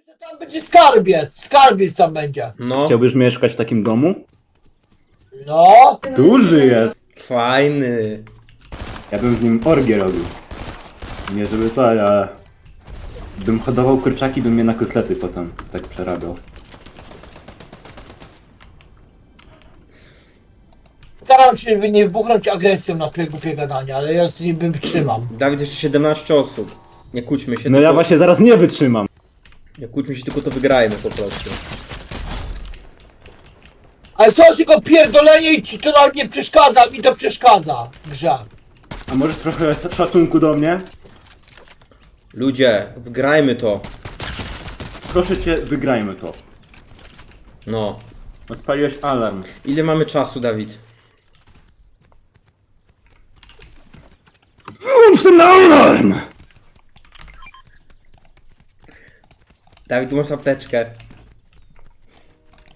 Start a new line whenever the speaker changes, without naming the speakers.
że tam będzie skarbiec. Skarbiec tam będzie.
No,
Chciałbyś mieszkać w takim domu?
No.
Duży jest!
fajny.
Ja bym w nim orgię robił. Nie żeby co, ale... Bym hodował kurczaki, bym je na kotlety potem tak przerabiał.
Staram się nie wybuchnąć agresją na głupie gadania, ale ja z nim trzymam.
Dawid, jeszcze 17 osób. Nie kłóćmy się,
No ja
tylko,
właśnie zaraz nie wytrzymam.
nie kłóćmy się, tylko to wygrajmy po prostu.
Ale są tylko pierdolenie i ci to nam nie przeszkadza, mi to przeszkadza w grze.
A może trochę szacunku do mnie?
Ludzie, wygrajmy to.
Proszę cię, wygrajmy to.
No.
Odpaliłeś alarm.
Ile mamy czasu, Dawid?
Wyłącz ten alarm!
Dawid, tu masz apteczkę.